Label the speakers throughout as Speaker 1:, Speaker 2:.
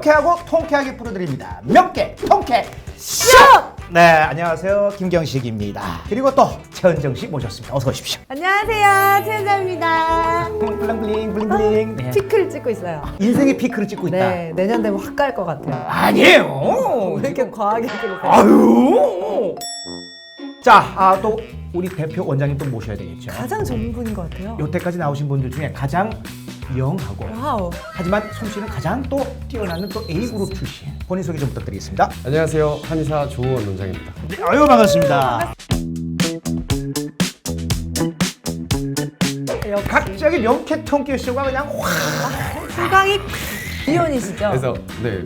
Speaker 1: 명쾌하고 통쾌하게 풀어드립니다. 명쾌 통쾌 쇼! 네, 안녕하세요. 김경식입니다. 그리고 또 최은정씨 모셨습니다. 어서 오십시오.
Speaker 2: 안녕하세요, 최은정입니다.
Speaker 1: 블링블링 블링블링. 네.
Speaker 2: 피클 찍고 있어요.
Speaker 1: 인생의 피크를 찍고 있다.
Speaker 2: 네, 내년 되면 확 갈 것 같아요.
Speaker 1: 아니에요.
Speaker 2: 왜 이렇게 과하게 찍으세요?
Speaker 1: 아유. 자, 또 우리 대표 원장님 또 모셔야 되겠죠.
Speaker 2: 가장 좋은 분인 것 같아요.
Speaker 1: 여태까지 나오신 분들 중에 가장 영하고
Speaker 2: 와우.
Speaker 1: 하지만 솜씨는 가장 또 뛰어나는 또 A그룹 출신. 본인 소개 좀 부탁드리겠습니다.
Speaker 3: 안녕하세요. 한의사 조원 원장입니다.
Speaker 1: 네, 아유 반갑습니다. 갑자기 명쾌 통쾌 쇼가 그냥 확.
Speaker 2: 후광이 비혼이시죠?
Speaker 3: 그래서 네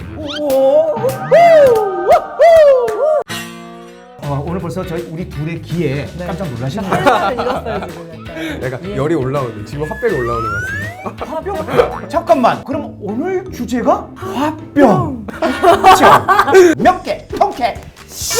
Speaker 1: 오늘 벌써 우리 둘의 귀에
Speaker 2: 네.
Speaker 1: 깜짝 놀라시는 거예요.
Speaker 2: 헬마를 잃었어요 지금 약간.
Speaker 3: 내가 열이 올라오는 지금 화병이 올라오는 것 같습니다.
Speaker 1: 화병? 잠깐만. 그럼 오늘 주제가 화병. 그렇죠? 명쾌 통쾌 쇼.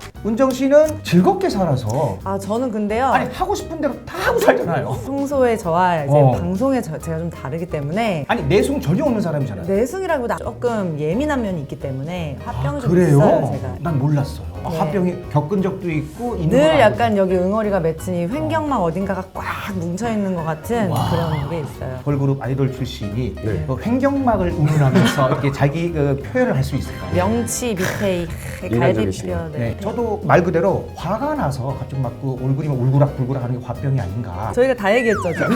Speaker 1: 은정 씨는 즐겁게 살아서
Speaker 2: 아 저는 근데요.
Speaker 1: 아니 하고 싶은 대로 다 하고 살잖아요.
Speaker 2: 평소에 저와 이제 방송에 제가 좀 다르기 때문에
Speaker 1: 아니 내숭 전혀 없는 사람이잖아요.
Speaker 2: 내숭이라기보다 조금 예민한 면이 있기 때문에 화병이 좀
Speaker 1: 그래요?
Speaker 2: 있어요 제가.
Speaker 1: 난 몰랐어요.
Speaker 2: 네.
Speaker 1: 화병이 겪은 적도 있고 있는
Speaker 2: 늘
Speaker 1: 건
Speaker 2: 약간 여기 응어리가 맺히니 횡격막 어딘가가 꽉 뭉쳐 있는 것 같은 그런 게 있어요.
Speaker 1: 걸그룹 아이돌 출신이
Speaker 3: 네.
Speaker 1: 그 횡격막을 운운하면서 이렇게 자기 표현을 할 수 있을까요?
Speaker 2: 명치 밑에
Speaker 3: 인간적이시네요.
Speaker 2: 갈비뼈.
Speaker 1: 네. 저도 말 그대로 화가 나서 갑자기 막 그 얼굴이 막 울그락불그락 하는 게 화병이 아닌가.
Speaker 2: 저희가 다 얘기했죠 지금.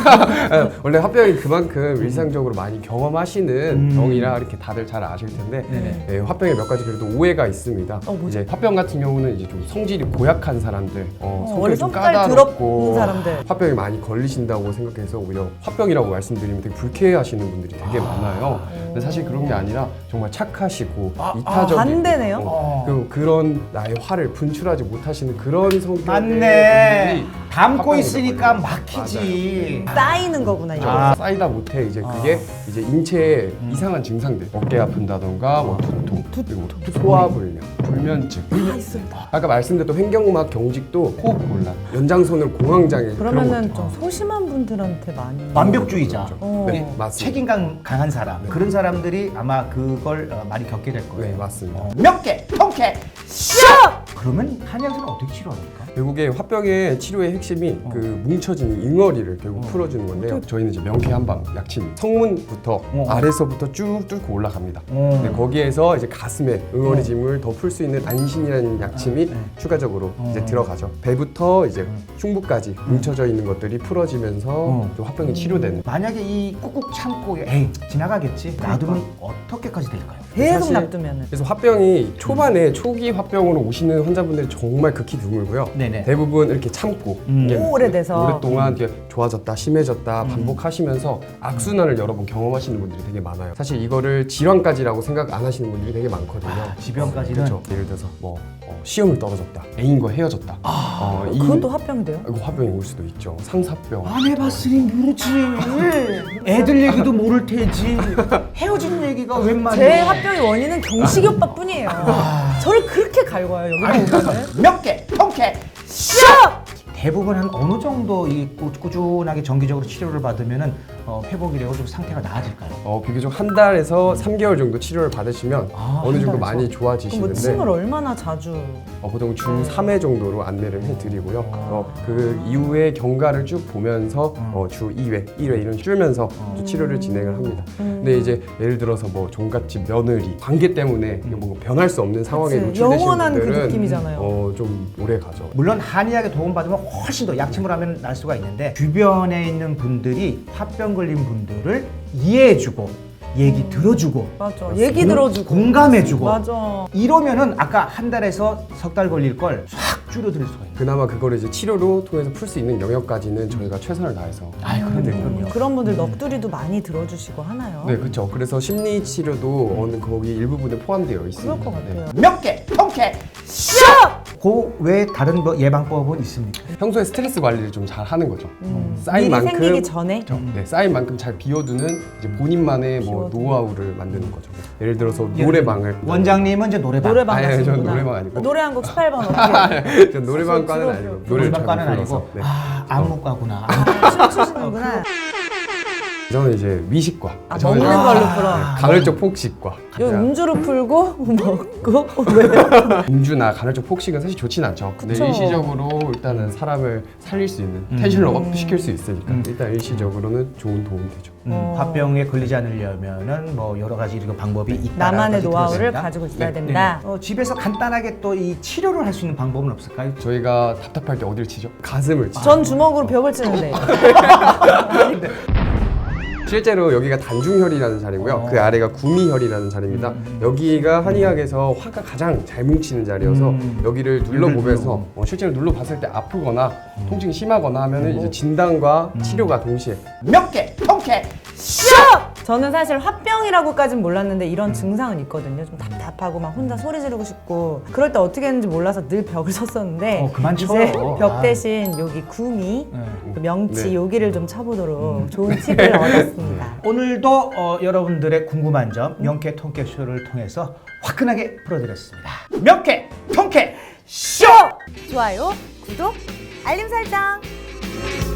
Speaker 3: 원래 화병이 그만큼 일상적으로 많이 경험하시는 병이라 이렇게 다들 잘 아실 텐데
Speaker 1: 네네.
Speaker 3: 네, 화병에 몇 가지 그래도 오해가 있습니다.
Speaker 2: 뭐죠?
Speaker 3: 이제 화병 같은 경우는 이제 좀 성질이 고약한 사람들,
Speaker 2: 원래
Speaker 3: 성격이 좀
Speaker 2: 성깔
Speaker 3: 까다롭고
Speaker 2: 더럽은 사람들.
Speaker 3: 화병이 많이 걸리신다고 생각해서 오히려 화병이라고 말씀드리면 되게 불쾌해하시는 분들이 되게 많아요. 근데 사실 그런 게 아니라 정말 착하시고 이타적이고
Speaker 2: 반대네요?
Speaker 3: 그런 나의 화를 분출하지 못하시는 그런 성격의
Speaker 1: 맞네.
Speaker 3: 분들이
Speaker 1: 담고
Speaker 3: 화병에
Speaker 1: 있으니까
Speaker 3: 걸려요.
Speaker 1: 막히지.
Speaker 2: 쌓이는 거구나 이거.
Speaker 3: 쌓이다 못해 이제 그게 이제 인체에 이상한 증상들 어깨 아픈다던가 뭐 두통 그리고 소화불량 불면증
Speaker 2: 다 있습니다.
Speaker 3: 아까 말씀드렸던 횡격막 경직도 호흡곤란 연장선을 공황장애
Speaker 2: 그러면은
Speaker 3: 그런
Speaker 2: 좀 소심한 분들한테 많이.
Speaker 1: 완벽주의자.
Speaker 3: 네 맞습니다.
Speaker 1: 책임감 강한 사람. 그런 사람들이 아마 그걸 많이 겪게 될 거예요.
Speaker 3: 네 맞습니다.
Speaker 1: 명쾌 통쾌 쇼. 그러면 한의학에서는 어떻게 치료합니까?
Speaker 3: 결국에 화병의 치료의 핵심이 그 뭉쳐진 응어리를 결국 풀어주는 건데요. 저희는 이제 명쾌 한방 약침 성문부터 아래서부터 쭉 뚫고 올라갑니다. 근데 거기에서 이제 가슴에 응어리짐을 더 풀 수 있는 안신이라는 약침이 추가적으로 이제 들어가죠. 배부터 이제 흉부까지 뭉쳐져 있는 것들이 풀어지면서 좀 화병이 치료되는.
Speaker 1: 만약에 이 꾹꾹 참고 에이 지나가겠지 놔두면 어떻게까지 될까요?
Speaker 2: 계속
Speaker 3: 사실
Speaker 2: 놔두면은.
Speaker 3: 그래서 화병이 초반에 초기 화병으로 오시는 환자분들이 정말 극히 드물고요.
Speaker 1: 네네.
Speaker 3: 대부분 이렇게 참고 이게
Speaker 2: 오래돼서.
Speaker 3: 오랫동안 이게 좋아졌다 심해졌다 반복하시면서 악순환을 여러 번 경험하시는 분들이 되게 많아요. 사실 이거를 질환까지라고 생각 안 하시는 분들이 되게 많거든요.
Speaker 1: 지병까지는
Speaker 3: 그렇죠. 예를 들어서 뭐 시험을 떨어졌다, 애인과 헤어졌다.
Speaker 2: 그것도 화병이 돼요?
Speaker 3: 이거 화병이 올 수도 있죠. 상사병.
Speaker 1: 안 해봤으니 모르지. 애들 얘기도 모를 테지. 헤어진 얘기가 웬 말이야?
Speaker 2: 제 화병의 원인은 경식이 오빠뿐이에요. 저를 그렇게 갈궈요 여기 보면은.
Speaker 1: 명쾌 통쾌 쇼. 대부분 한 어느 정도 이 꾸준하게 정기적으로 치료를 받으면은 회복이 되고 좀 상태가 나아질까요?
Speaker 3: 비교적 한 달에서 3개월 정도 치료를 받으시면 어느 정도
Speaker 1: 한 달에서?
Speaker 3: 많이
Speaker 2: 그럼 뭐
Speaker 3: 좋아지시는데
Speaker 2: 침을 얼마나 자주?
Speaker 3: 보통 주 3회 정도로 안내를 해드리고요. 그 이후에 경과를 쭉 보면서 주 2회, 1회 이런 줄면서 치료를 진행을 합니다. 근데 이제 예를 들어서 뭐 종갓집 며느리 관계 때문에 이게 뭐 변할 수 없는 상황에
Speaker 2: 그치,
Speaker 3: 노출되신
Speaker 2: 영원한 그
Speaker 3: 분들은
Speaker 2: 느낌이잖아요.
Speaker 3: 좀 오래 가죠.
Speaker 1: 물론 한의학에 도움받으면 훨씬 더 약침을 하면 날 수가 있는데 주변에 있는 분들이 화병 걸린 분들을 이해해주고 얘기 들어주고
Speaker 2: 맞아. 얘기 들어주고.
Speaker 1: 공감해주고
Speaker 2: 맞아.
Speaker 1: 이러면은 아까 한 달에서 석 달 걸릴 걸 싹 줄여드릴 수가 있어요.
Speaker 3: 그나마 그거를 이제 치료로 통해서 풀 수 있는 영역까지는 저희가 최선을 다해서 해드리거든요.
Speaker 2: 그런 분들 넋두리도 많이 들어주시고 하나요?
Speaker 3: 네, 그렇죠. 그래서 심리 치료도 어느 거기 일부분에 포함되어 있습니다.
Speaker 2: 그럴 것 같아요.
Speaker 1: 명쾌 통쾌 쇼. 그 외에 다른 뭐 예방법은 있습니까?
Speaker 3: 평소에 스트레스 관리를 좀 잘 하는 거죠. 쌓인
Speaker 2: 일이
Speaker 3: 만큼
Speaker 2: 생기기 전에?
Speaker 3: 네, 쌓인 만큼 잘 비워두는 이제 본인만의 뭐
Speaker 2: 비워두는.
Speaker 3: 노하우를 만드는 거죠. 예를 들어서 노래방을
Speaker 1: 원장님은 이제 노래방.
Speaker 2: 노래방
Speaker 3: 아니,
Speaker 2: 가시는구나.
Speaker 3: 저는 노래방 아니고.
Speaker 2: 노래 한 곡 18번 어떻게
Speaker 3: 전 노래방과는
Speaker 2: 들어,
Speaker 3: 아니고
Speaker 2: 들어.
Speaker 3: 노래를 잘
Speaker 1: 노래방과는
Speaker 3: 못
Speaker 1: 아니고
Speaker 3: 불러서. 네.
Speaker 1: 안무과구나.
Speaker 2: 춤추시는구나.
Speaker 3: 저는 이제 위식과
Speaker 2: 먹는 걸로 풀어.
Speaker 3: 간헐적 폭식과
Speaker 2: 요 음주로 풀고 먹고 왜?
Speaker 3: 음주나 간헐적 폭식은 사실 좋진 않죠. 근데
Speaker 2: 그쵸.
Speaker 3: 일시적으로 일단은 사람을 살릴 수 있는 텐션을 업시킬 수 있으니까 일단 일시적으로는 좋은 도움이 되죠.
Speaker 1: 화병에 걸리지 않으려면은 뭐 여러 가지 이런 방법이 있다.
Speaker 2: 나만의 노하우를 가지고 있어야
Speaker 3: 네.
Speaker 2: 된다.
Speaker 1: 집에서 간단하게 또 이 치료를 할 수 있는 방법은 없을까요?
Speaker 3: 저희가 답답할 때 어디를 치죠? 가슴을 치죠.
Speaker 2: 전 주먹으로 벽을 치는데.
Speaker 3: 실제로 여기가 단중혈이라는 자리고요. 그 아래가 구미혈이라는 자리입니다. 여기가 한의학에서 화가 가장 잘 뭉치는 자리여서 여기를 눌러보면서 실제로 눌러봤을 때 아프거나 통증이 심하거나 하면은 이제 진단과 치료가 동시에
Speaker 1: 몇 개, 통쾌.
Speaker 2: 저는 사실 화병이라고까진 몰랐는데 이런 증상은 있거든요. 좀 답답하고 막 혼자 소리 지르고 싶고 그럴 때 어떻게 했는지 몰라서 늘 벽을 쳤었는데
Speaker 1: 그만
Speaker 2: 이제
Speaker 1: 쳐요.
Speaker 2: 벽 대신 여기 구미, 그 명치
Speaker 3: 네.
Speaker 2: 여기를 좀 쳐보도록 좋은 팁을 얻었습니다.
Speaker 1: 오늘도 여러분들의 궁금한 점 명쾌 통쾌 쇼를 통해서 화끈하게 풀어드렸습니다. 명쾌 통쾌 쇼!
Speaker 2: 좋아요, 구독, 알림 설정.